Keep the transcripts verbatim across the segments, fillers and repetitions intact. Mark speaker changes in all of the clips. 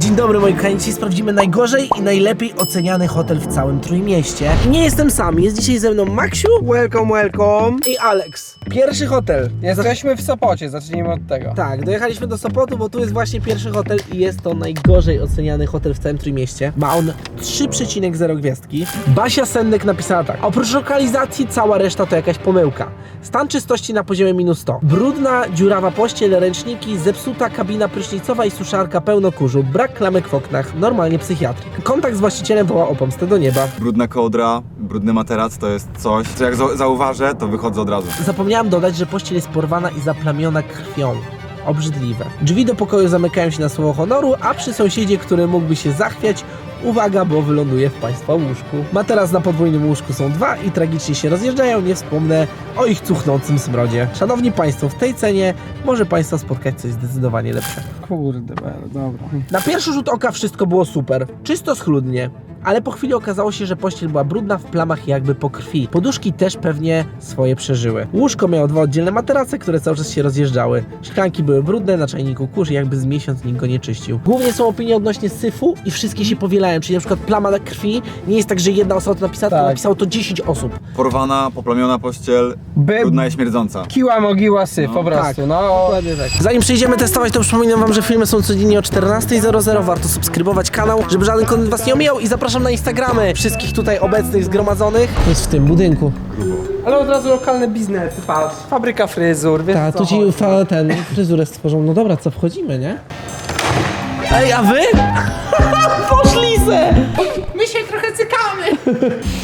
Speaker 1: Dzień dobry moi kochani, dzisiaj sprawdzimy najgorzej i najlepiej oceniany hotel w całym Trójmieście. Nie jestem sam, jest dzisiaj ze mną Maksiu.
Speaker 2: Welcome, welcome.
Speaker 1: I Alex. Pierwszy hotel.
Speaker 2: Jesteśmy w Sopocie, zacznijmy od tego.
Speaker 1: Tak, dojechaliśmy do Sopotu, bo tu jest właśnie pierwszy hotel i jest to najgorzej oceniany hotel w całym Trójmieście. Ma on trzy przecinek zero gwiazdki. Basia Sendek napisała tak: oprócz lokalizacji cała reszta to jakaś pomyłka. Stan czystości na poziomie minus sto. Brudna, dziurawa pościel, ręczniki, zepsuta kabina prysznicowa i suszarka pełno kurzu, brak klamek w oknach, normalnie psychiatryk. Kontakt z właścicielem woła o pomstę do nieba.
Speaker 3: Brudna kołdra, brudny materac to jest coś, co jak za zauważę, to wychodzę od razu.
Speaker 1: Zapomniałam dodać, że pościel jest porwana i zaplamiona krwią. Obrzydliwe. Drzwi do pokoju zamykają się na słowo honoru, a przy sąsiedzie, który mógłby się zachwiać, uwaga, bo wyląduje w państwa łóżku. Materac na podwójnym łóżku są dwa i tragicznie się rozjeżdżają, nie wspomnę o ich cuchnącym smrodzie. Szanowni Państwo, w tej cenie może Państwa spotkać coś zdecydowanie lepszego.
Speaker 2: Kurde, dobra.
Speaker 1: Na pierwszy rzut oka wszystko było super, czysto schludnie, ale po chwili okazało się, że pościel była brudna w plamach jakby po krwi. Poduszki też pewnie swoje przeżyły. Łóżko miało dwa oddzielne materace, które cały czas się rozjeżdżały. Szklanki były brudne, na czajniku kurz, jakby z miesiąc nikt go nie czyścił. Głównie są opinie odnośnie syfu i wszystkie się powielają, czyli na przykład plama na krwi nie jest tak, że jedna osoba to napisała,
Speaker 2: Tak.
Speaker 1: to napisało to dziesięć osób.
Speaker 3: Porwana, poplamiona pościel,
Speaker 2: By...
Speaker 3: brudna i śmierdząca.
Speaker 2: Kiła mogiła syf, po prostu,
Speaker 1: tak.
Speaker 2: no.
Speaker 1: Dokładnie tak. Zanim przejdziemy testować, to przypominam wam, że filmy są codziennie o czternasta zero zero. Warto subskrybować kanał, żeby żaden kontent was nie omijał i zapraszam na Instagramy wszystkich tutaj obecnych, zgromadzonych. Jest w tym budynku.
Speaker 2: Ale od razu lokalne biznesy, patrz. Fabryka fryzur, wiesz
Speaker 1: Tak,
Speaker 2: co
Speaker 1: tu ci
Speaker 2: chodzi.
Speaker 1: fa- ten fryzurę stworzą. No dobra, co, wchodzimy, nie? Ej, a wy? Poszli se!
Speaker 2: My się trochę cykamy.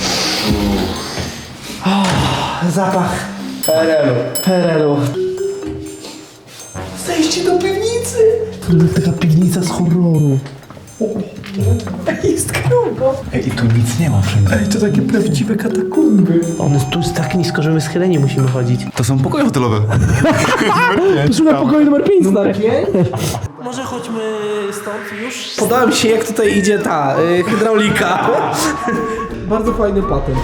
Speaker 1: Zapach
Speaker 2: P R L-u.
Speaker 1: P R L-u. Zejście do piwnicy! To taka piwnica z horroru. Jest grubo.
Speaker 3: Ej, i tu nic nie ma wszędzie.
Speaker 1: Ej, to takie prawdziwe katakumby. On jest tu jest tak nisko, że my schyleni musimy chodzić.
Speaker 3: To są pokoje hotelowe.
Speaker 1: Szukam pokoju numer pięć, stary. Może chodźmy stąd już? Podoba mi się, jak tutaj idzie ta y, hydraulika. Bardzo fajny patent.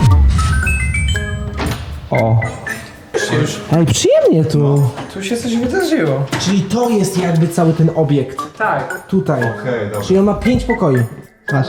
Speaker 2: O. Już.
Speaker 1: Ej, przyjemnie tu.
Speaker 2: Tu się coś wydarzyło.
Speaker 1: Czyli to jest jakby cały ten obiekt.
Speaker 2: Tak.
Speaker 1: Tutaj.
Speaker 3: Okej, dobra.
Speaker 1: Czyli on ma pięć pokoi. Masz.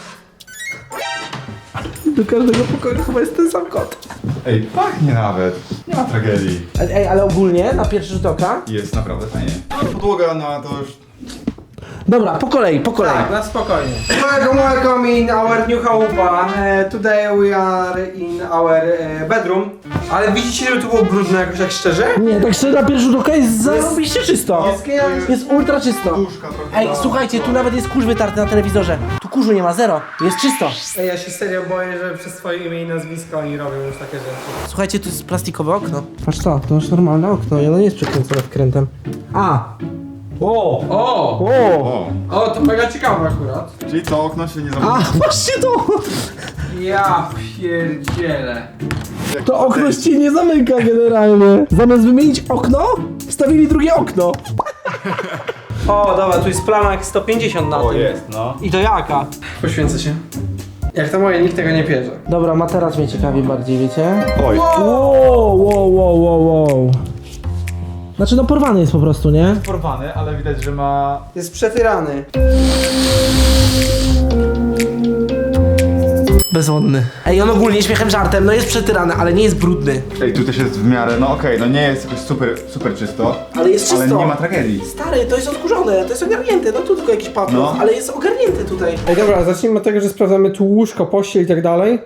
Speaker 1: Do każdego pokoju chyba jest ten sam kot.
Speaker 3: Ej, pachnie nawet. Nie ma tragedii.
Speaker 1: Ej, ale ogólnie na pierwszy rzut oka.
Speaker 3: Jest naprawdę fajnie. Podłoga, no to już...
Speaker 1: Dobra, po kolei, po kolei.
Speaker 2: Tak, na spokojnie. Welcome, welcome in our new chałupa. Uh, today we are in our uh, bedroom. Ale widzicie, że tu było brudno jakoś tak szczerze?
Speaker 1: Nie, tak szczerze na pierwszy rzut oka jest zarobiście czysto.
Speaker 2: Jest genialnie.
Speaker 1: Jest ultra czysto.
Speaker 3: Łóżka trochę.
Speaker 1: Ej, słuchajcie, tu nawet jest kurz wytarty na telewizorze. Tu kurzu nie ma, zero. Jest czysto.
Speaker 2: Ej, ja się serio boję, że przez swoje imię i nazwisko oni robią już takie rzeczy.
Speaker 1: Słuchajcie, tu jest plastikowe okno. Patrz to, to już normalne okno i ono nie jest przekręcone wkrętem. A!
Speaker 2: O! O!
Speaker 3: O!
Speaker 2: O, to mega ciekawe akurat.
Speaker 3: Czyli to okno się nie
Speaker 1: A,
Speaker 3: zamknie.
Speaker 1: patrzcie to!
Speaker 2: Ja pierdzielę.
Speaker 1: To okno się nie zamyka generalnie. Zamiast wymienić okno, wstawili drugie okno.
Speaker 2: O, dobra, tu jest plama jak sto pięćdziesiąt na
Speaker 3: O,
Speaker 2: tym.
Speaker 3: jest, no.
Speaker 2: I to jaka? Poświęcę się. Jak to moje, nikt tego nie bierze.
Speaker 1: Dobra, materac mnie ciekawi bardziej, wiecie?
Speaker 3: Oj.
Speaker 1: Wow, wow, wow, wow, wow. Znaczy no porwany jest po prostu, nie?
Speaker 3: Porwany, ale widać, że ma...
Speaker 2: Jest przetyrany.
Speaker 1: Bezwodny. Ej, on ogólnie śmiechem żartem, no jest przetyrany, ale nie jest brudny.
Speaker 3: Ej, tu też jest w miarę, no okej, no nie jest jakoś super, super czysto.
Speaker 1: Ale jest czysto.
Speaker 3: Ale nie ma tragedii.
Speaker 1: Stary, to jest odkurzone, to jest ogarnięte, no tu tylko jakiś papier,
Speaker 3: No.
Speaker 1: ale jest ogarnięte tutaj.
Speaker 2: Ej, dobra, zacznijmy od tego, że sprawdzamy tu łóżko, pościel i tak dalej.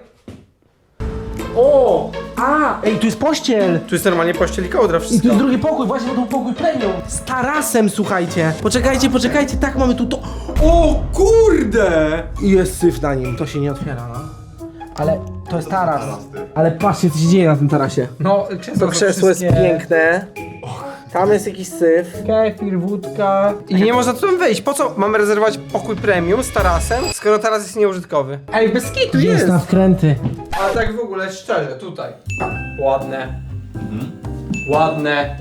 Speaker 1: O! A! Ej, tu jest pościel!
Speaker 2: Tu jest normalnie pościel i kołdra,
Speaker 1: I tu
Speaker 2: wszystko.
Speaker 1: jest drugi pokój, właśnie, bo to pokój premium. Z tarasem, słuchajcie. Poczekajcie, poczekajcie, tak mamy tu to.
Speaker 2: O kurde!
Speaker 1: I jest syf na nim, to się nie otwiera, no. Ale to jest taras. Ale patrzcie, co się dzieje na tym tarasie.
Speaker 2: No, krzesło,
Speaker 1: To krzesło jest piękne. Tam jest jakiś syf.
Speaker 2: Kefir, wódka. I nie można tu tam wejść. Po co mamy rezerwować pokój premium z tarasem, skoro taras jest nieużytkowy? Ej, bez kitu jest!
Speaker 1: Jest na wkręty.
Speaker 2: Ale tak w ogóle szczerze, tutaj. Ładne. Ładne.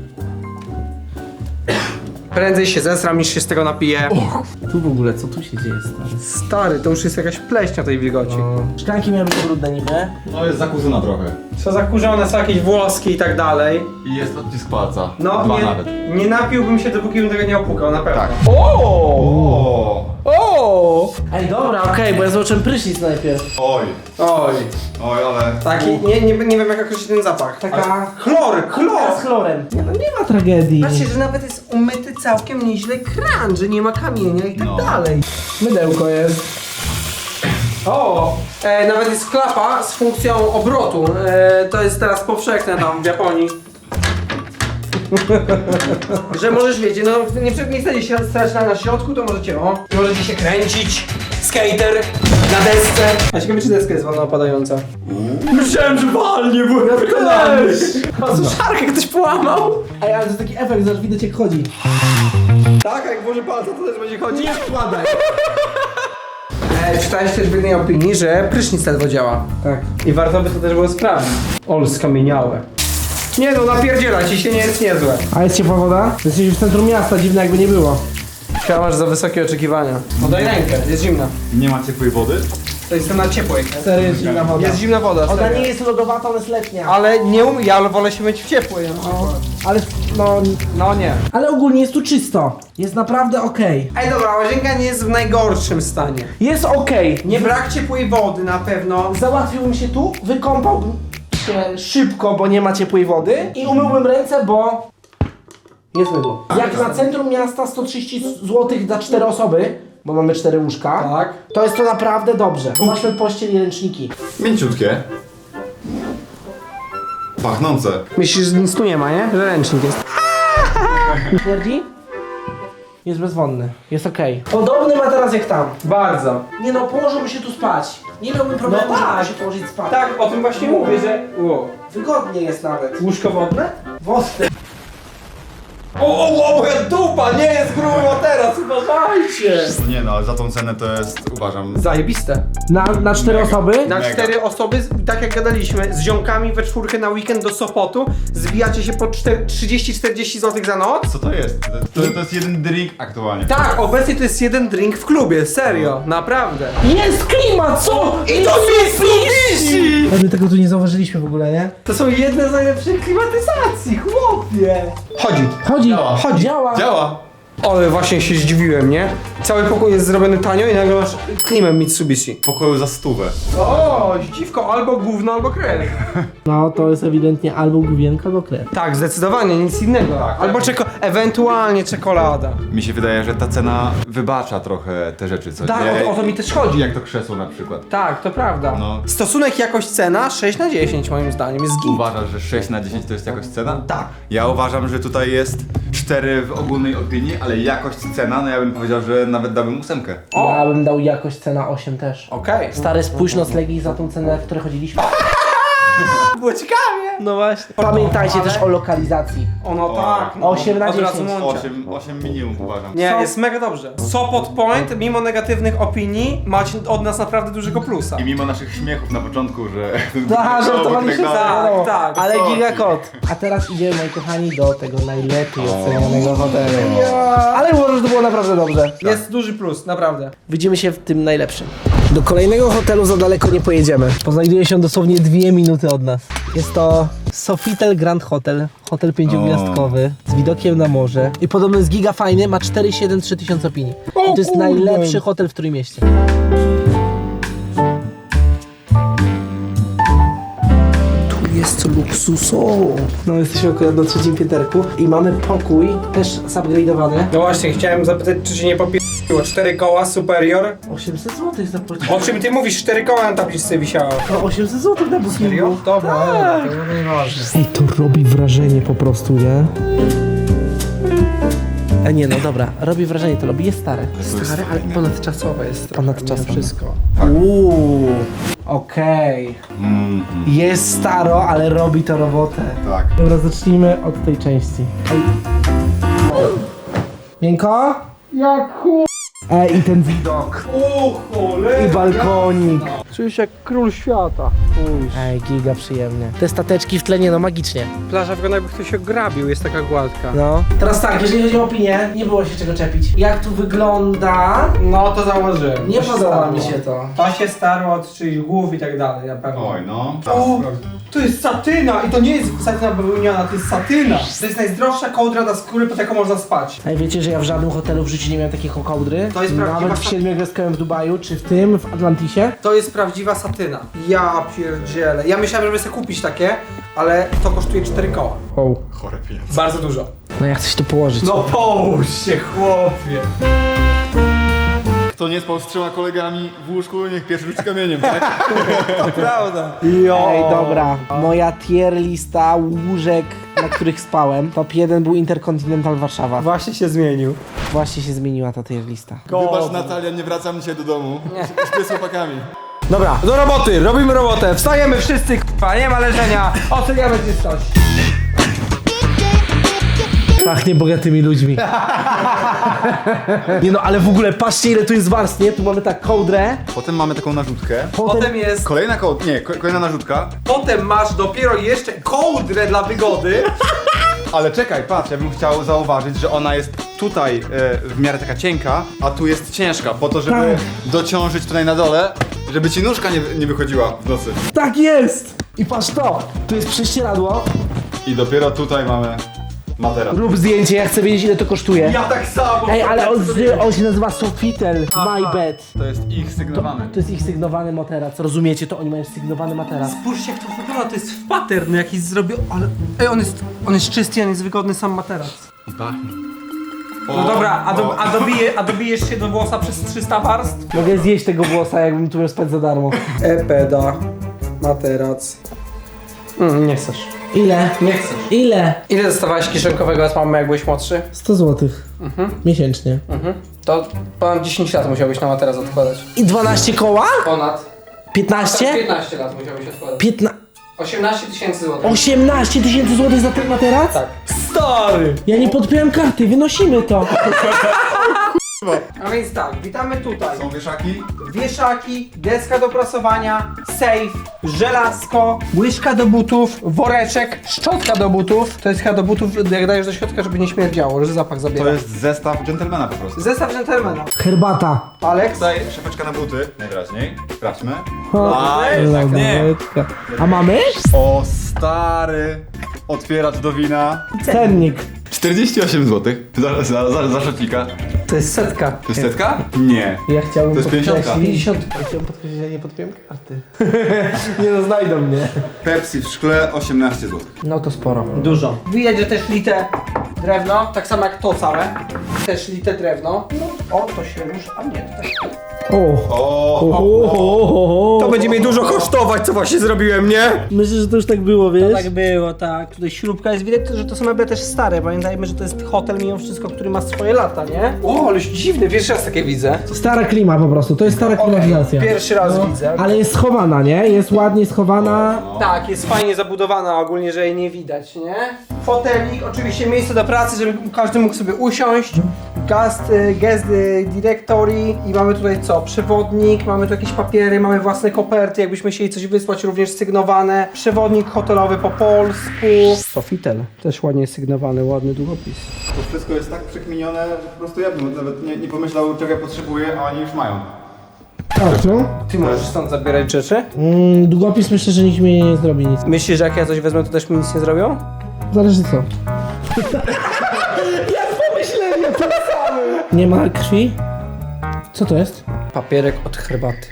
Speaker 2: Prędzej się zesram niż się z tego napiję.
Speaker 1: Tu w ogóle, co tu się dzieje, stary?
Speaker 2: Stary, to już jest jakaś pleśnia tej wilgoci.
Speaker 1: Szklanki miały być brudne niby.
Speaker 3: No jest zakurzona trochę.
Speaker 2: Są zakurzone, są jakieś włoski i tak dalej.
Speaker 3: I jest odcisk palca.
Speaker 2: No,
Speaker 3: Dwa
Speaker 2: nie,
Speaker 3: nawet.
Speaker 2: nie napiłbym się, dopóki bym tego nie opłukał, na pewno.
Speaker 3: Tak.
Speaker 2: O!
Speaker 3: O!
Speaker 1: A, okej, bo ja zobaczyłem prysznic najpierw.
Speaker 3: Oj,
Speaker 2: Oj.
Speaker 3: oj, ale...
Speaker 2: Taki, nie, nie, nie wiem jak określić ten zapach.
Speaker 1: Taka...
Speaker 2: Chlor, chlor!
Speaker 1: Z chlorem. Nie, no nie ma tragedii.
Speaker 2: Patrzcie, że nawet jest umyty całkiem nieźle kran, że nie ma kamienia i tak
Speaker 3: No.
Speaker 2: dalej.
Speaker 1: Mydełko jest.
Speaker 2: O! E, nawet jest klapa z funkcją obrotu. E, to jest teraz powszechne tam w Japonii. Że możesz, wiecie, no nie, nie chcecie się stać na, na środku, to możecie, o, możecie się kręcić. Skater na desce. A ciekawe, czy deska jest wolno opadająca. Myślałem, że walnie, bo ja też. A suszarkę ktoś połamał.
Speaker 1: Ej, ale to jest taki efekt, że widać jak chodzi.
Speaker 2: Tak, jak włoży palca, to też będzie chodzić. Nie wkładaj. E, czytałeś też w jednej opinii, że prysznic ledwo działa.
Speaker 1: Tak.
Speaker 2: I warto by to też było sprawdzić. Ol, skamieniałe. Nie no, napierdziela ci się, nie jest niezłe.
Speaker 1: A jest ciepła woda? Jesteś w centrum miasta, dziwne jakby nie było.
Speaker 2: Chyba masz za wysokie oczekiwania. No daj rękę, jest zimna.
Speaker 3: Nie ma ciepłej wody?
Speaker 2: To jestem na ciepłej.
Speaker 1: Serio jest zimna woda.
Speaker 2: Jest zimna woda,
Speaker 1: Ona
Speaker 2: serio.
Speaker 1: nie jest lodowata, ona jest letnia.
Speaker 2: Ale nie umiem, ja wolę się myć w ciepłej. No,
Speaker 1: Ale no...
Speaker 2: no nie.
Speaker 1: Ale ogólnie jest tu czysto. Jest naprawdę okej.
Speaker 2: Ej dobra, łazienka nie jest w najgorszym stanie.
Speaker 1: Jest okej.
Speaker 2: Nie brak ciepłej wody na pewno.
Speaker 1: Załatwiłbym się tu, wykąpałbym się szybko, bo nie ma ciepłej wody i umyłbym ręce, bo jest mydło. Jak na centrum miasta sto trzydzieści złotych za cztery osoby, bo mamy cztery łóżka,
Speaker 2: Tak.
Speaker 1: to jest to naprawdę dobrze. Zobaczmy pościel i ręczniki.
Speaker 3: Mięciutkie. Pachnące.
Speaker 2: Myślisz, że nic tu nie ma, nie? Że ręcznik jest.
Speaker 1: Śmierdzi? Jest bezwonny, jest okej. Podobny ma teraz jak tam.
Speaker 2: Bardzo.
Speaker 1: Nie no, położyłbym się tu spać. Nie miałbym problemu,
Speaker 2: No tak.
Speaker 1: żeby się położyć spać.
Speaker 2: Tak, o tym właśnie mówię, że... Wow.
Speaker 1: Wygodnie jest nawet.
Speaker 2: Łóżko wodne?
Speaker 1: Wodny.
Speaker 2: O, o, o, moja dupa nie jest grubo teraz, uważajcie!
Speaker 3: Nie no, ale za tą cenę to jest, uważam...
Speaker 2: Zajebiste.
Speaker 1: Na, na cztery
Speaker 3: Mega.
Speaker 1: osoby?
Speaker 2: Na
Speaker 3: Mega.
Speaker 2: cztery osoby, tak jak gadaliśmy, z ziomkami we czwórkę na weekend do Sopotu, zbijacie się po trzydzieści czterdzieści złotych za noc.
Speaker 3: Co to jest? To, to, to jest jeden drink aktualnie.
Speaker 2: Tak, obecnie to jest jeden drink w klubie, serio, naprawdę.
Speaker 1: Jest klimat, co?
Speaker 2: I to Mitsubishi!
Speaker 1: My tego tu nie zauważyliśmy w ogóle, nie?
Speaker 2: To są jedne z najlepszych klimatyzacji, chłopie! Chodzi.
Speaker 1: Chodzi,
Speaker 3: Działa.
Speaker 1: chodzi, działa.
Speaker 3: Działa!
Speaker 2: Ale właśnie się zdziwiłem, nie? Cały pokój jest zrobiony tanio i nagle masz klimę Mitsubishi.
Speaker 3: W pokoju za stówę.
Speaker 2: O, dziwko, albo gówno, albo krew.
Speaker 1: No to jest ewidentnie albo główienka, albo krew.
Speaker 2: Tak, zdecydowanie, nic innego.
Speaker 3: Tak,
Speaker 2: albo
Speaker 3: tak.
Speaker 2: czeko ewentualnie czekolada.
Speaker 3: Mi się wydaje, że ta cena wybacza trochę te rzeczy, co
Speaker 2: Tak,
Speaker 3: nie?
Speaker 2: o, o to mi też chodzi.
Speaker 3: Jak to krzesło na przykład.
Speaker 2: Tak, to prawda.
Speaker 3: No.
Speaker 2: Stosunek jakość-cena sześć na dziesięć moim zdaniem jest git.
Speaker 3: Uważasz, że sześć na dziesięć to jest jakoś cena?
Speaker 2: Tak.
Speaker 3: Ja uważam, że tutaj jest cztery w ogólnej opinii, ale jakość cena, no ja bym powiedział, że nawet dałbym ósemkę.
Speaker 2: O.
Speaker 1: Ja bym dał jakość cena osiem też.
Speaker 2: Okej.
Speaker 1: Stary, spójrz noclegi za tą cenę, w której chodziliśmy.
Speaker 2: Było ciekawie.
Speaker 1: No właśnie. Pamiętajcie
Speaker 2: Ale-
Speaker 1: też o lokalizacji.
Speaker 2: Ono
Speaker 3: O,
Speaker 2: tak. No.
Speaker 1: osiem na
Speaker 2: Od razu
Speaker 1: dziesięć.
Speaker 2: mącia.
Speaker 3: osiem, osiem minimum uważam.
Speaker 2: Nie,
Speaker 1: Co?
Speaker 2: jest mega dobrze. Sopot Point, mimo negatywnych opinii, macie od nas naprawdę dużego plusa.
Speaker 3: I mimo naszych śmiechów na początku, że...
Speaker 1: Tak, żartowaliśmy
Speaker 3: tak
Speaker 2: tak,
Speaker 1: wiadomo.
Speaker 2: tak.
Speaker 1: Ale
Speaker 3: Co?
Speaker 1: gigakot. A teraz idziemy, moi kochani, do tego najlepiej ocenianego hotelu. Ale uważam, że to było naprawdę dobrze.
Speaker 2: Jest duży plus, naprawdę.
Speaker 1: Widzimy się w tym najlepszym. Do kolejnego hotelu za daleko nie pojedziemy. Poznajduje się dosłownie dwie minuty od nas. Jest to Sofitel Grand Hotel. Hotel pięciogwiazdkowy z widokiem na morze. I podobno jest giga fajny, ma cztery przecinek siedemdziesiąt trzy tysiące opinii. I to jest
Speaker 2: kurde.
Speaker 1: najlepszy hotel w Trójmieście. Tu jest luksusowo. No jesteśmy akurat na trzecim pięterku i mamy pokój też zupgrade'owany.
Speaker 2: No właśnie, chciałem zapytać, czy się nie popiło. Cztery koła, superior.
Speaker 1: osiemset złotych zapłaciłem.
Speaker 2: O czym ty mówisz? Cztery koła na tabliczce wisiało.
Speaker 1: No osiemset złotych na bookingu.
Speaker 2: Serio? Dobra,
Speaker 1: Tak.
Speaker 2: to nieważne.
Speaker 1: Ej, to robi wrażenie po prostu, nie? A nie, no dobra, robi wrażenie, to robi, jest stare.
Speaker 3: jest
Speaker 2: Stary, ale
Speaker 3: fajne.
Speaker 2: ponadczasowe jest. trochę,
Speaker 1: Ponadczasowe.
Speaker 2: mimo wszystko.
Speaker 1: Uuu, okej.
Speaker 3: Mm,
Speaker 1: Jest staro, ale robi to robotę.
Speaker 3: tak.
Speaker 1: Dobra, zacznijmy od tej części. Ej. Miękko?
Speaker 2: Jak chu...
Speaker 1: Ej, i ten widok.
Speaker 2: O cholera!
Speaker 1: I balkonik.
Speaker 2: Czuję się jak król świata. Uj.
Speaker 1: Ej, giga przyjemnie. Te stateczki w tle, nie no, magicznie.
Speaker 2: Plaża wygląda jakby ktoś się grabił, jest taka gładka.
Speaker 1: No. Teraz tak, jeżeli chodzi o opinię, nie było się czego czepić. Jak tu wygląda,
Speaker 2: No to założyłem.
Speaker 1: nie
Speaker 2: To się
Speaker 1: podoba
Speaker 2: starło.
Speaker 1: mi się to.
Speaker 2: To się starło od czyichś głów i tak dalej, na pewno.
Speaker 3: Oj, no.
Speaker 2: O, to jest satyna i to nie jest satyna bawełniana, to jest satyna. To jest najzdrowsza kołdra dla skóry, pod jaką można spać.
Speaker 1: Ej, wiecie, że ja w żadnym hotelu w życiu nie miałem takiej kołdry?
Speaker 2: To jest prawdziwa
Speaker 1: Nawet w
Speaker 2: satyna.
Speaker 1: siedmiogwiazdkowym w Dubaju, czy w tym, w Atlantisie.
Speaker 2: To jest prawdziwa satyna. Ja pierdzielę. Ja myślałem, żeby sobie kupić takie, ale to kosztuje cztery koła.
Speaker 1: O.
Speaker 3: Chore pieniądze.
Speaker 2: Bardzo dużo.
Speaker 1: No ja chcę się to położyć.
Speaker 2: No połóż się, chłopie.
Speaker 3: Kto nie spał z trzema kolegami w łóżku, niech pierwszy rzuci kamieniem, tak?
Speaker 2: Prawda.
Speaker 1: Ej, dobra. Moja tier lista łóżek, na których spałem. Top jeden był Interkontynental Warszawa.
Speaker 2: Właśnie się zmienił.
Speaker 1: Właśnie się zmieniła ta tier lista.
Speaker 3: Wybacz Natalia, nie wracam dzisiaj do domu. Śpię z chłopakami.
Speaker 2: Dobra, do roboty, robimy robotę. Wstajemy wszyscy, k***a, nie ma leżenia. Oceniamy czystość.
Speaker 1: Pachnie bogatymi ludźmi. Nie no, ale w ogóle patrzcie ile tu jest warstw, nie? Tu mamy tak kołdrę.
Speaker 3: Potem mamy taką narzutkę.
Speaker 2: Potem jest...
Speaker 3: Kolejna kołd... Nie, ko- kolejna narzutka.
Speaker 2: Potem masz dopiero jeszcze kołdrę dla wygody.
Speaker 3: Ale czekaj, patrz, ja bym chciał zauważyć, że ona jest tutaj e, w miarę taka cienka, a tu jest ciężka, po to, żeby
Speaker 1: Tak.
Speaker 3: dociążyć tutaj na dole, żeby ci nóżka nie, nie wychodziła w nocy.
Speaker 1: Tak jest! I patrz to! Tu jest prześcieradło.
Speaker 3: I dopiero tutaj mamy materac.
Speaker 1: Rób zdjęcie, ja chcę wiedzieć ile to kosztuje.
Speaker 2: Ja tak samo.
Speaker 1: Ej, ale on, on się nazywa Sofitel My Bed.
Speaker 3: To jest ich sygnowany.
Speaker 1: To jest ich sygnowany materac, rozumiecie to? Oni mają sygnowany materac.
Speaker 2: Spójrzcie jak to wygląda, to jest w pattern jakiś zrobił, ale... Ej, on jest, on jest czysty, on jest wygodny sam materac.
Speaker 3: I pachnie.
Speaker 2: No dobra, a, do, a, dobije, a dobijesz się do włosa przez trzysta warstw?
Speaker 1: Mogę zjeść tego włosa, jakbym tu miał spać za darmo.
Speaker 2: E-peda, materac. Mm, nie chcesz.
Speaker 1: Ile?
Speaker 2: Nie chcesz.
Speaker 1: Ile?
Speaker 2: Ile dostawałeś kieszonkowego od mamy jak byłeś młodszy?
Speaker 1: sto złotych. Miesięcznie.
Speaker 2: Mhm. To ponad dziesięć lat musiałbyś na materac odkładać.
Speaker 1: I dwanaście koła?
Speaker 2: Ponad.
Speaker 1: piętnaście?
Speaker 2: piętnaście lat musiałbyś odkładać.
Speaker 1: Piętna...
Speaker 2: osiemnaście tysięcy złotych.
Speaker 1: osiemnaście tysięcy złotych za ten materac?
Speaker 2: Tak. Stary!
Speaker 1: Ja nie podpiąłem karty, wynosimy to.
Speaker 2: A więc tak, witamy tutaj.
Speaker 3: Są wieszaki?
Speaker 2: Wieszaki, deska do prasowania, safe, żelazko, łyżka do butów, woreczek, szczotka do butów. To jest chyba do butów, jak dajesz do środka, żeby nie śmierdziało, że zapach zabiera.
Speaker 3: To jest zestaw dżentelmena po prostu.
Speaker 2: Zestaw dżentelmena.
Speaker 1: Herbata.
Speaker 2: Alex?
Speaker 3: Tutaj szafeczka na buty, najwyraźniej. Sprawdźmy.
Speaker 1: Lodóweczka. A mamy?
Speaker 3: O stary, otwieracz do wina.
Speaker 1: Cennik.
Speaker 3: czterdzieści osiem złotych za, za, za, za szocika.
Speaker 2: To jest setka.
Speaker 3: To jest setka? Nie.
Speaker 1: Ja chciałbym
Speaker 3: To jest pięćdziesiątka.
Speaker 1: pięćdziesiąt. Ja chciałbym podkreślić, że ja nie podpiąłem karty. Nie no, znajdą mnie.
Speaker 3: Pepsi w szkle osiemnaście złotych.
Speaker 1: No to sporo.
Speaker 2: Dużo. Wyjedzie też lite drewno, tak samo jak to całe. Też lite drewno. No, o, to się rusza, a nie, to też.
Speaker 1: O.
Speaker 3: O,
Speaker 1: O, o, o,
Speaker 2: To będzie mi dużo kosztować, co właśnie zrobiłem, nie?
Speaker 1: Myślę, że to już tak było, wiesz?
Speaker 2: Tak było, tak. Tutaj śrubka jest, widać, że to są meble też stare. Pamiętajmy, że to jest hotel mimo wszystko, który ma swoje lata, nie? O, ale dziwne, pierwszy raz takie widzę.
Speaker 1: Stara klima po prostu, to jest stara klimatyzacja.
Speaker 2: Pierwszy raz widzę.
Speaker 1: Ale jest schowana, nie? Jest ładnie schowana.
Speaker 2: Tak, jest fajnie zabudowana ogólnie, że jej nie widać, nie? Fotelik, oczywiście miejsce do pracy, żeby każdy mógł sobie usiąść. Guest, y, guest y, directory i mamy tutaj co? Przewodnik, mamy tu jakieś papiery, mamy własne koperty, jakbyśmy chcieli coś wysłać, również sygnowane. Przewodnik hotelowy po polsku. Sofitel, też ładnie sygnowany, ładny długopis.
Speaker 3: to wszystko jest tak przekminione, że po prostu ja bym nawet nie, nie pomyślał, czego ja potrzebuję, a oni już mają.
Speaker 1: Tak, no.
Speaker 2: Ty możesz stąd zabierać rzeczy?
Speaker 1: Mm, długopis myślę, że nikt mi nie zrobi nic.
Speaker 2: Myślisz, że jak ja coś wezmę, to też mi nic nie zrobią?
Speaker 1: Zależy co. Jak pomyślenie, to samo. Nie ma krwi? Co to jest?
Speaker 2: Papierek od herbaty.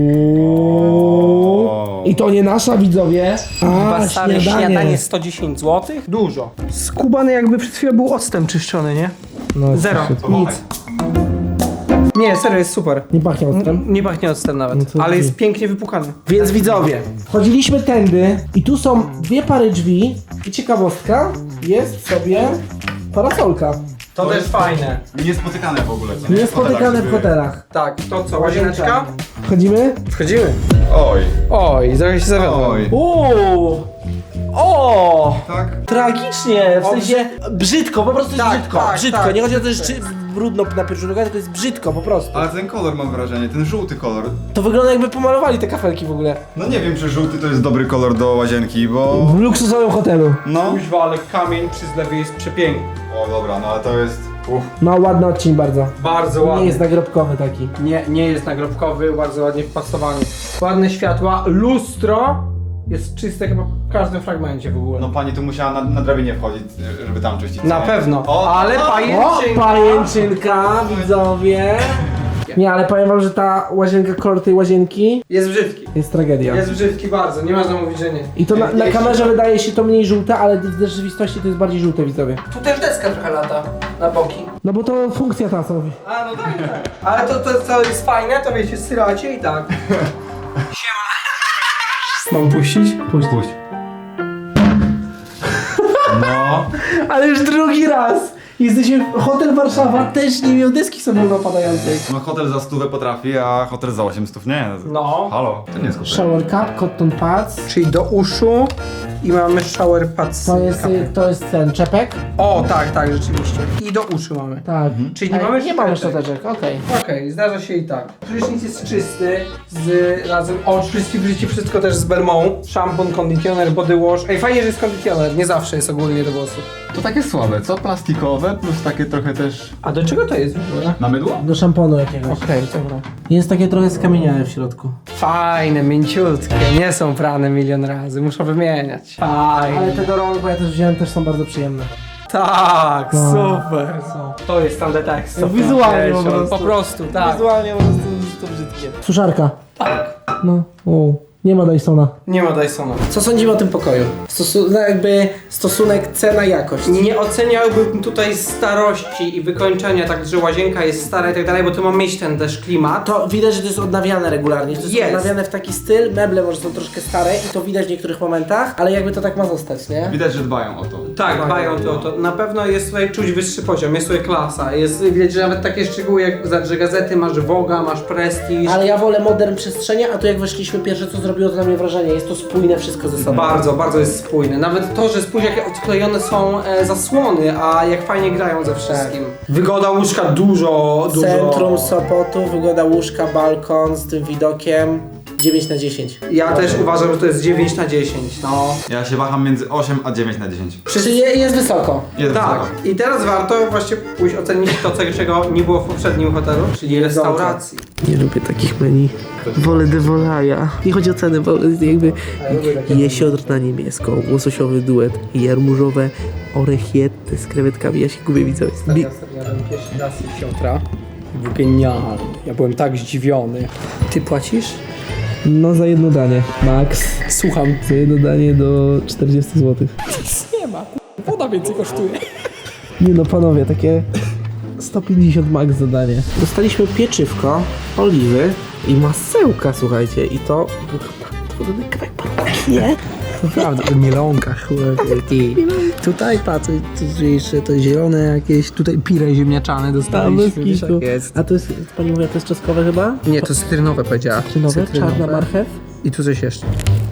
Speaker 1: Uuu. I to nie nasza, widzowie. A,
Speaker 2: Chyba stare
Speaker 1: śniadanie.
Speaker 2: śniadanie sto dziesięć złotych? Dużo. Skubany jakby przed chwilą był octem czyszczony, nie?
Speaker 1: No,
Speaker 2: Zero.
Speaker 1: shit.
Speaker 2: Nic. Nie, serio, jest super.
Speaker 1: Nie pachnie octem.
Speaker 2: Nie pachnie octem nawet,
Speaker 1: No to
Speaker 2: ale
Speaker 1: drzwi.
Speaker 2: jest pięknie wypukany.
Speaker 1: Więc widzowie, chodziliśmy tędy i tu są dwie pary drzwi i ciekawostka, jest sobie parasolka.
Speaker 2: To też fajne.
Speaker 3: Niespotykane w ogóle, co nie?
Speaker 1: Niespotykane w
Speaker 3: żeby-
Speaker 1: hotelach.
Speaker 2: Tak, to co, łazieneczka?
Speaker 1: Wchodzimy?
Speaker 2: Wchodzimy.
Speaker 3: Oj,
Speaker 2: Oj, trochę się zawiodłem.
Speaker 3: oj.
Speaker 1: Uuu! O!
Speaker 3: Tak?
Speaker 1: Tragicznie, w
Speaker 2: O,
Speaker 1: sensie brzydko, po prostu jest
Speaker 2: Tak,
Speaker 1: brzydko.
Speaker 2: tak,
Speaker 1: brzydko,
Speaker 2: tak.
Speaker 1: nie chodzi o to, że czy brudno na pierwszy rzut oka, tylko jest brzydko po prostu.
Speaker 3: Ale ten kolor mam wrażenie, ten żółty kolor.
Speaker 1: To wygląda jakby pomalowali te kafelki w ogóle.
Speaker 3: No nie wiem, czy żółty to jest dobry kolor do łazienki, bo...
Speaker 1: W luksusowym hotelu.
Speaker 3: No.
Speaker 2: Kuźwa, ale kamień przy zlewie jest przepiękny.
Speaker 3: O dobra, no ale to jest... Uff.
Speaker 1: No ładny odcień bardzo.
Speaker 2: Bardzo
Speaker 1: Nie
Speaker 2: ładny.
Speaker 1: jest nagrobkowy taki.
Speaker 2: Nie, nie jest nagrobkowy, bardzo ładnie wpasowany. Ładne światła, lustro jest czyste chyba w każdym fragmencie w ogóle.
Speaker 3: No pani tu musiała na, na drabinie wchodzić, żeby tam czyścić. co
Speaker 2: Na
Speaker 3: nie?
Speaker 2: pewno,
Speaker 3: O,
Speaker 2: ale
Speaker 3: o,
Speaker 1: O,
Speaker 2: pajęczynka.
Speaker 1: pajęczynka, widzowie. Nie, ale powiem wam, że ta łazienka, kolor tej łazienki
Speaker 2: Jest brzydki.
Speaker 1: jest tragedia.
Speaker 2: Jest brzydki bardzo, nie można mówić, że nie.
Speaker 1: I to na, na
Speaker 2: Jeśli-
Speaker 1: kamerze wydaje się to mniej żółte, ale w rzeczywistości to jest bardziej żółte, widzowie.
Speaker 2: Tu też deska trochę lata na boki.
Speaker 1: No bo to funkcja ta co.
Speaker 2: A, no tak, tak. Ale to, to co jest fajne, to wiecie, syracie i tak. Siema. Mam puścić?
Speaker 1: Puść.
Speaker 3: Puść. No.
Speaker 1: Ale już drugi raz! Jesteśmy, hotel Warszawa też nie miał deski samoopadającej.
Speaker 3: No hotel za stówę potrafi, a hotel za osiemset nie.
Speaker 2: No.
Speaker 3: Halo, to nie jest hotel.
Speaker 1: Shower cup, cotton pads.
Speaker 2: Czyli do uszu i mamy shower pads.
Speaker 1: To jest, to jest ten czepek?
Speaker 2: O, tak, tak, rzeczywiście. I do uszu mamy.
Speaker 1: Tak.
Speaker 2: Czyli nie
Speaker 1: Ej,
Speaker 2: mamy
Speaker 1: nie mamy
Speaker 2: szczoteczek.
Speaker 1: szczoteczek, okej.
Speaker 2: Okej, zdarza się i tak. Prysznic jest czysty, z razem, o czysty prysznic, wszystko też z Belmont. Szampon, konditioner, body wash. Ej, fajnie, że jest konditioner, nie zawsze jest ogólnie do włosów.
Speaker 3: To takie słabe, co? Plastikowe, plus takie trochę też...
Speaker 2: A do czego to jest w ogóle?
Speaker 3: Na mydło?
Speaker 1: Do szamponu jakiegoś.
Speaker 2: Okej, dobra.
Speaker 1: Jest takie trochę skamieniałe w środku.
Speaker 2: Fajne, mięciutkie, nie są prane milion razy, muszę wymieniać. Fajne.
Speaker 1: Ale te do rąk, bo ja też wziąłem, też są bardzo przyjemne.
Speaker 2: Tak,
Speaker 1: No.
Speaker 2: super. To jest tam tekst.
Speaker 1: Wizualnie po prostu.
Speaker 2: Po prostu, tak.
Speaker 1: Wizualnie po prostu to brzydkie. Suszarka.
Speaker 2: Tak.
Speaker 1: No, o, nie ma Dysona.
Speaker 2: Nie ma Dysona.
Speaker 1: Co sądzimy o tym pokoju? Stosu- no jakby stosunek cena-jakość.
Speaker 2: Nie oceniałbym tutaj starości i wykończenia, tak że łazienka jest stara i tak dalej, bo to ma mieć ten też klimat.
Speaker 1: To widać, że to jest odnawiane regularnie. To jest,
Speaker 2: Jest.
Speaker 1: odnawiane w taki styl, meble może są troszkę stare i to widać w niektórych momentach, ale jakby to tak ma zostać, nie?
Speaker 3: Widać, że dbają o to.
Speaker 2: Tak, dbają to o to. Na pewno jest tutaj czuć wyższy poziom, jest tutaj klasa. Jest widać, że nawet takie szczegóły jak, że gazety, masz Voga, masz Prestige.
Speaker 1: Ale ja wolę modern przestrzenia, a tu jak weszliśmy pierwsze, co zrobiło to na mnie wrażenie. Jest to spójne wszystko ze sobą.
Speaker 2: Bardzo, bardzo jest spójne. Nawet to, że spójrz jakie odklejone są e, zasłony, a jak fajnie grają ze wszystkim. Wygoda łóżka dużo, dużo.
Speaker 1: Centrum Sopotu, wygoda łóżka, balkon z tym widokiem. dziewięć na dziesięć.
Speaker 2: Ja też uważam, że to jest dziewięć na dziesięć, no.
Speaker 3: Ja się waham między osiem a dziewięć na dziesięć.
Speaker 1: Czyli je- jest wysoko.
Speaker 3: Jest
Speaker 2: Tak.
Speaker 3: wysoko.
Speaker 2: I teraz warto właśnie pójść ocenić to, czego nie było w poprzednim hotelu, czyli restauracji.
Speaker 1: Nie lubię takich menu. Wolę de volaja. Nie chodzi o cenę, bo jakby jesiodr na niebiesko, łososiowy duet, jarmużowe orechiety z krewetkami. Ja się gubię, widzowie. Bi-
Speaker 2: Ja sobie jadłem pierwszy raz z siotra. Był genialny. Ja byłem tak zdziwiony. Ty płacisz?
Speaker 1: No za jedno danie. Max.
Speaker 2: Słucham.
Speaker 1: Za jedno danie do czterdzieści złotych.
Speaker 2: Nie ma. Woda więcej kosztuje.
Speaker 1: Nie no panowie, takie sto pięćdziesiąt max za danie. Dostaliśmy pieczywko, oliwy i masełka, słuchajcie. I to... To podobny kawałek parówki, nie?
Speaker 2: Naprawdę, o mielonkach. Tutaj patrz, to jeszcze to zielone jakieś, tutaj pire ziemniaczane
Speaker 1: Tam
Speaker 2: dostaliśmy.
Speaker 1: bez
Speaker 2: Wiesz,
Speaker 1: kitu.
Speaker 2: jak jest.
Speaker 1: A to jest, pani mówi, to jest czosnkowe chyba?
Speaker 2: Nie, to cytrynowe powiedziała.
Speaker 1: Czy nowe? Czarna marchew?
Speaker 2: I tu coś jeszcze.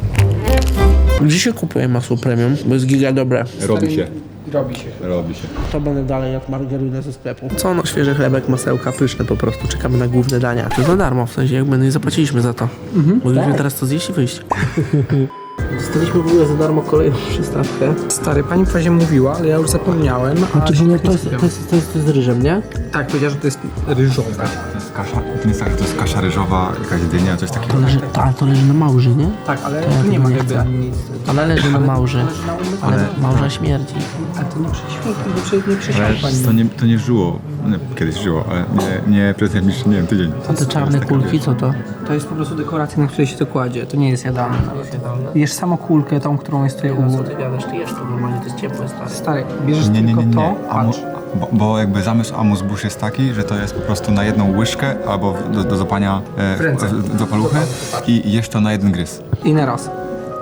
Speaker 1: Gdzie się kupuje masło premium? Bo jest giga dobre.
Speaker 3: Robi się.
Speaker 2: Robi się.
Speaker 3: Robi się.
Speaker 1: To będę dalej jak margarynę ze sklepu. Co no, świeży chlebek, masełka, pyszne po prostu. Czekamy na główne dania. To za darmo, w sensie jakby nie zapłaciliśmy za to. Mhm. Mogliśmy teraz to zjeść i wyjść. Dostaliśmy w ogóle za darmo kolejną przystawkę.
Speaker 2: Stary, pani właśnie mówiła, ale ja już zapomniałem. A
Speaker 1: Znaczy,
Speaker 2: się
Speaker 1: bo
Speaker 2: tak
Speaker 1: to,
Speaker 2: nie
Speaker 1: jest, to,
Speaker 2: skupiam.
Speaker 1: jest, to, jest, to jest z ryżem, nie?
Speaker 2: Tak, powiedziała, że to jest ryżowe.
Speaker 3: To jest kasza. To nie jest tak, że to jest kasza ryżowa, jakaś dynia, coś takiego.
Speaker 1: To leży, to, ale to leży na małży, nie?
Speaker 2: Tak, ale tu nie ma ryby ani nic.
Speaker 1: Ale leży na małży. Ale małża śmierdzi.
Speaker 2: Ale to nie prześmiał, nie prześmiał
Speaker 3: Ale
Speaker 2: pani.
Speaker 3: to nie, to nie żyło. Nie, kiedyś żyło, ale nie, nie przez najbliższy, nie wiem, tydzień.
Speaker 1: A te czarne kulki, co to?
Speaker 2: To jest po prostu dekoracja, na której się to kładzie. To nie jest jadalne. Jesz samo kulkę, tą, którą jest tutaj u góry.
Speaker 1: Ty gadasz, ty jesz to normalnie, to jest ciepłe, stary.
Speaker 2: Stary, bierzesz
Speaker 3: Nie, nie,
Speaker 2: tylko
Speaker 3: nie, nie.
Speaker 2: to,
Speaker 3: Amu,
Speaker 2: patrz.
Speaker 3: bo, bo jakby zamysł Amus Bush jest taki, że to jest po prostu na jedną łyżkę albo w- do, do złapania e,
Speaker 2: W ręce.
Speaker 3: w- do paluchy i jesz to na jeden gryz.
Speaker 2: I na raz.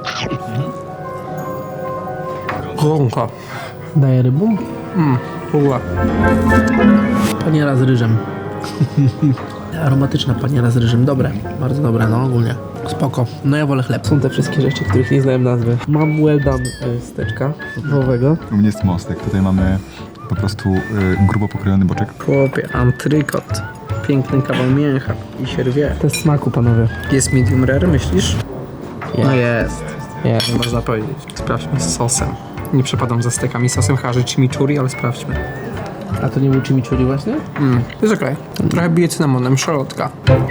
Speaker 2: Gąka.
Speaker 1: Daję rybą?
Speaker 2: Mmm, ła.
Speaker 1: Paniera z ryżem. Aromatyczna paniera z ryżem. Dobre. Bardzo dobre, no ogólnie. Spoko. No ja wolę chleb. Są te wszystkie rzeczy, których nie znałem nazwy. Mam well done y, steczka wołowego.
Speaker 3: U mnie jest mostek. Tutaj mamy po prostu y, grubo pokrojony boczek.
Speaker 2: Chłopie, antrykot. Piękny kawał mięcha i się rwie.
Speaker 1: Test smaku, panowie.
Speaker 2: Jest medium rare, myślisz?
Speaker 1: Jest.
Speaker 2: No jest.
Speaker 1: Jest.
Speaker 2: Nie można powiedzieć. Sprawdźmy z sosem. Nie przepadam za stekami sosem, chyba że chimichurri, ale sprawdźmy.
Speaker 1: A to nie był chimichurri właśnie?
Speaker 2: Mm, jest okej. Trochę bije cynamonem, szalotka.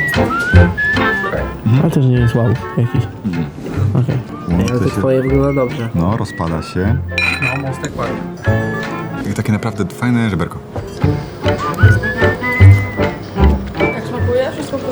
Speaker 1: Ale też nie jest wow jakiś. Okej.
Speaker 3: No,
Speaker 1: Ale
Speaker 3: to
Speaker 1: to
Speaker 3: się-
Speaker 1: twoje wygląda dobrze.
Speaker 3: No, rozpada się.
Speaker 2: No, mostek ładnie.
Speaker 3: I takie naprawdę fajne żeberko.
Speaker 4: Jak smakuje?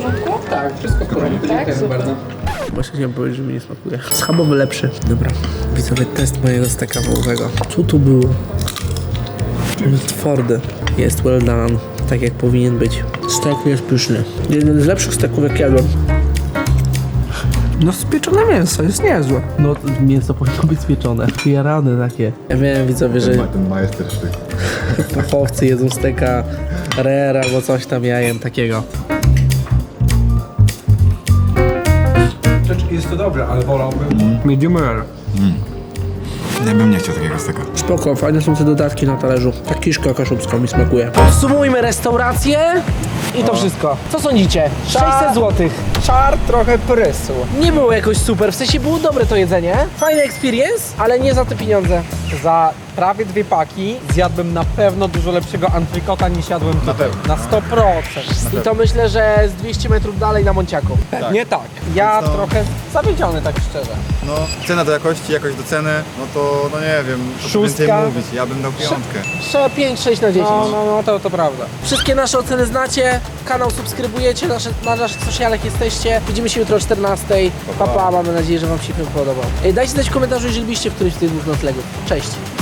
Speaker 4: porządku?
Speaker 2: Tak, wszystko w porządku.
Speaker 4: Tak,
Speaker 2: Dziękuję
Speaker 4: super.
Speaker 2: bardzo.
Speaker 1: Właśnie chciałem powiedzieć, że mi nie smakuje. Schabowy lepszy. Dobra, widzowie, test mojego steka wołowego. Co tu było? On jest twardy. Jest well done, tak jak powinien być. Stek jest pyszny. Jeden z lepszych steków, jak jadłem.
Speaker 2: No spieczone mięso, jest niezłe.
Speaker 1: No, mięso powinno być spieczone. Jarane takie. Ja wiem, widzowie, że
Speaker 3: ten majstersztyk.
Speaker 1: fachowcy jedzą steka rare albo coś tam, ja jem takiego.
Speaker 2: Jest to dobre, ale wolałbym medium rare.
Speaker 3: Ja bym nie chciał takiego steka.
Speaker 1: Spoko, fajne są te dodatki na talerzu. Ta kiszka kaszubska mi smakuje. Podsumujmy restaurację i to wszystko. Co sądzicie? sześćset złotych.
Speaker 2: Czar trochę prysł.
Speaker 1: Nie było jakoś super, w sensie było dobre to jedzenie. Fajny experience, ale nie za te pieniądze.
Speaker 2: Za prawie dwie paki zjadłbym na pewno dużo lepszego antrykota niż jadłem tutaj.
Speaker 3: pewno.
Speaker 2: Na sto procent.
Speaker 1: I to myślę, że z dwieście metrów dalej na Monciaku.
Speaker 2: Nie tak. Ja
Speaker 3: Więc no-
Speaker 2: trochę zawiedziony, tak szczerze.
Speaker 3: No, cena do jakości, jakość do ceny, no to, no nie wiem, co tu
Speaker 2: Szóstka.
Speaker 3: więcej mówić, ja bym dał piątkę.
Speaker 1: Trzeba pięć sześć na dziesięć.
Speaker 2: No, no, no, to, to prawda.
Speaker 1: Wszystkie nasze oceny znacie, kanał subskrybujecie, nasze, na naszych socialach jesteście. Widzimy się jutro o czternastej. Pa, pa, mamy nadzieję, że wam się film podobał. Ej, dajcie znać w komentarzu, jeżeli byliście w którymś z tych dwóch noclegów. Cześć!